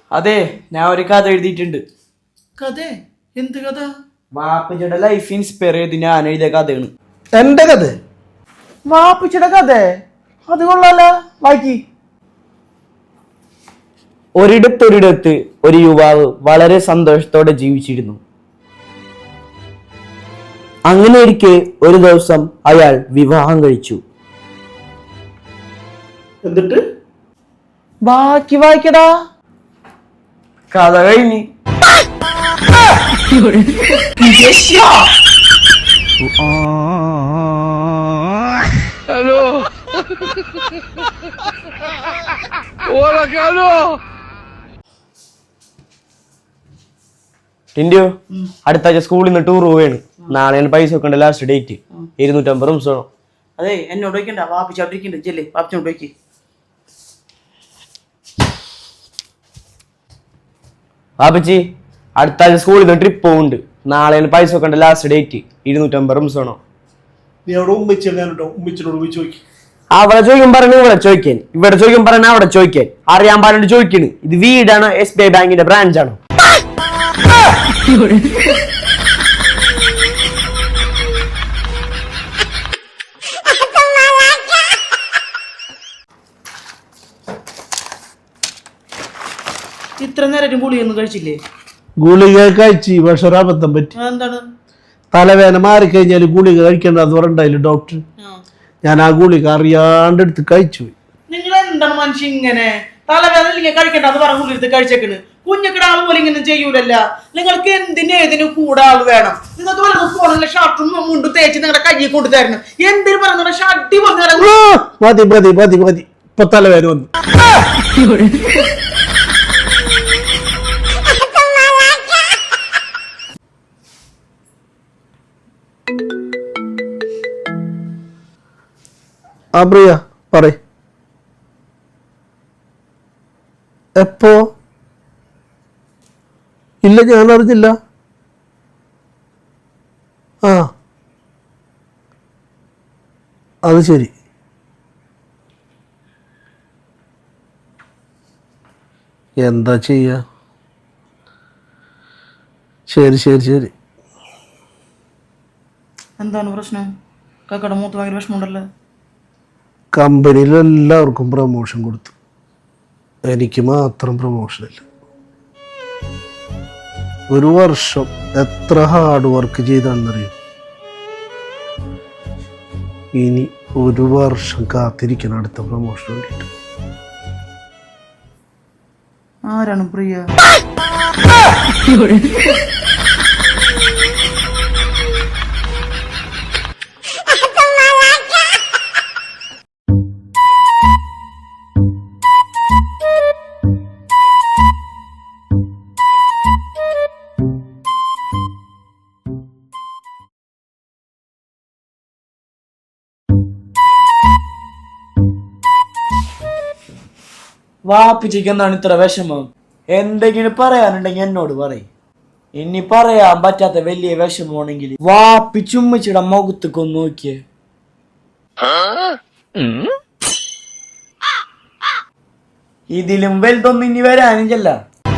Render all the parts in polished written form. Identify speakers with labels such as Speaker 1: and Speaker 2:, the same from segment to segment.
Speaker 1: അതെ, ഞാൻ ഒരു കഥ എഴുതിയിട്ടുണ്ട്.
Speaker 2: കഥ? എന്ത് കഥ?
Speaker 1: വാപ്പച്ചിയുടെ ലൈഫ് ഇൻസ്പയർ ചെയ്ത് ഞാൻ എഴുതിയ കഥയാണ്.
Speaker 2: എന്റെ കഥ? വാപ്പച്ചിയുടെ കഥ? അത് കൊള്ളാലോ, ബാക്കി.
Speaker 1: ഒരിടത്തൊരിടത്ത് ഒരു യുവാവ് വളരെ സന്തോഷത്തോടെ ജീവിച്ചിരുന്നു. അങ്ങനെ ഇരിക്കെ ഒരു ദിവസം അയാൾ വിവാഹം കഴിച്ചു.
Speaker 2: എന്നിട്ട്
Speaker 1: ബാക്കി വായിക്കടാ. കഥ കഴിഞ്ഞ്.
Speaker 3: ഹലോ
Speaker 1: ടിൻഡു, അടുത്ത ആഴ്ച സ്കൂളിൽ നിന്ന് ടൂർ പോവുകയാണ്. നാളെയാണ് പൈസ വെക്കേണ്ട ലാസ്റ്റ് ഡേറ്റ്. 250 റൂംസ് വേണം.
Speaker 2: അതെ, എന്നോട് വയ്ക്കണ്ട, വാപ്പിച്ചോട്ടിരിക്കണ്ട. ചെല്ലേ, വാപ്പിച്ചോട്ട് വയ്ക്ക്.
Speaker 1: വാപ്പച്ചി, അടുത്ത ആഴ്ച സ്കൂളിൽ നിന്ന് ട്രിപ്പ് പോകുന്നുണ്ട്. നാളെയാണ് പൈസ വെക്കേണ്ട ലാസ്റ്റ് ഡേറ്റ്. 250 റൂംസ് വേണം.
Speaker 2: നീ അവിടെ ഉമ്മിച്ചിനോട് പോയി ചോദിക്കും.
Speaker 1: അവിടെ ചോദിക്കും പറയണ ഇവിടെ ചോദിക്കാൻ, ഇവിടെ ചോദിക്കും പറയണ അവിടെ ചോദിക്കാൻ. അറിയാൻ പാടിട്ട് ചോദിക്കണ്. ഇത് വീടാണോ SBI ബാങ്കിന്റെ ബ്രാഞ്ച് ആണോ?
Speaker 2: ഇത്ര നേരം ഗുളിയൊന്നും കഴിച്ചില്ലേ?
Speaker 4: ഗുളിക കഴിച്ച്, പക്ഷെ ഒരബദ്ധം പറ്റി.
Speaker 2: എന്താണ്?
Speaker 4: തലവേദന മാറിക്കഴിഞ്ഞാൽ ഗുളിക കഴിക്കേണ്ടത് പറഞ്ഞിട്ടായില്ല ഡോക്ടർ. ഞാൻ ആ ഗുളിക അറിയാണ്ട് എടുത്ത് കഴിച്ചു പോയി.
Speaker 2: നിങ്ങൾ എന്താണ് മനുഷ്യ ഇങ്ങനെ? തലവേദന ഇല്ലെങ്കിൽ കഴിക്കണ്ട അത് പറഞ്ഞ ഗുളി എടുത്ത് കഴിച്ചേക്കണ്. കുഞ്ഞിക്കിടാൾ പോലെ ഇങ്ങനെ ചെയ്യൂലല്ല. നിങ്ങൾക്ക് എന്തിനും കൂടെ ആൾ വേണം. നിങ്ങൾക്ക് വല്ല ഫോണിലെ ഷർട്ടും മുണ്ടും തേച്ച് നിങ്ങളുടെ കയ്യിൽ കൊണ്ടു തരണം. എന്തിനു പറഞ്ഞ ഷർട്ടി പറഞ്ഞു.
Speaker 4: മതി മതി മതി മതി, ഇപ്പൊ തലവേദന വന്നു. ആ പ്രിയ പറ. എപ്പോ? ഇല്ല, ഞാൻ അറിഞ്ഞില്ല. ആ, അത് ശരി. എന്താ ചെയ്യാ? ശരി ശരി ശരി.
Speaker 2: എന്താണ് പ്രശ്നം? കാക്കട മൂത്ത് ഭയങ്കര വിഷമമുണ്ടല്ലോ.
Speaker 4: കമ്പനിയിൽ എല്ലാവർക്കും പ്രമോഷൻ കൊടുത്തു, എനിക്ക് മാത്രം പ്രമോഷനില്ല. ഒരു വർഷം എത്ര ഹാർഡ് വർക്ക് ചെയ്താണെന്നറിയും. ഇനി ഒരു വർഷം കാത്തിരിക്കണം അടുത്ത പ്രമോഷൻ വേണ്ടിയിട്ട്.
Speaker 2: ആരാണ് പ്രിയ?
Speaker 1: വാപ്പിച്ചിക്ക് എന്താണ് ഇത്ര വിഷമം? എന്തെങ്കിലും പറയാനുണ്ടെങ്കിൽ എന്നോട് പറയും. ഇനി പറയാൻ പറ്റാത്ത വലിയ വിഷമമാണെങ്കിൽ വാപ്പിച്ചുമ്മച്ചിയുടെ മുഖത്തേക്കൊന്ന് നോക്കിയേ. ഇതിലും വലുതൊന്നും ഇനി വരാനും ചെല്ല.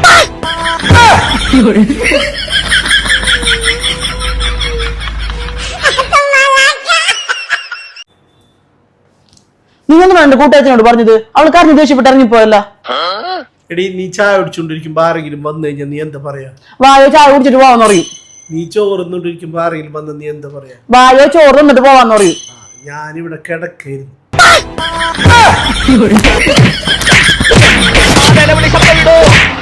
Speaker 2: നിങ്ങളൊന്നും എന്റെ കൂട്ടുകാരനോട് പറഞ്ഞത്? അവൾ കറിഞ്ഞ് ദേഷ്യപ്പെട്ട് ഇറങ്ങിപ്പോയല്ല.
Speaker 4: എടി, നീ ചായ കുടിച്ചോണ്ടിരിക്കുമ്പോ ആരെങ്കിലും വന്നു കഴിഞ്ഞാൽ നീ എന്താ പറയാ?
Speaker 2: വായോ ചായ കുടിച്ചിട്ട് പോവാന്ന് പറയും.
Speaker 4: നീ ചോറുന്നോണ്ടിരിക്കുമ്പോ ആരെങ്കിലും വന്ന നീ എന്താ പറയാ?
Speaker 2: വായോ ചോറ് തന്നിട്ട് പോവാന്ന് പറയും.
Speaker 4: ഞാനിവിടെ കിടക്കായിരുന്നു.
Speaker 3: നിലവിളി ശബ്ദമിടൂ.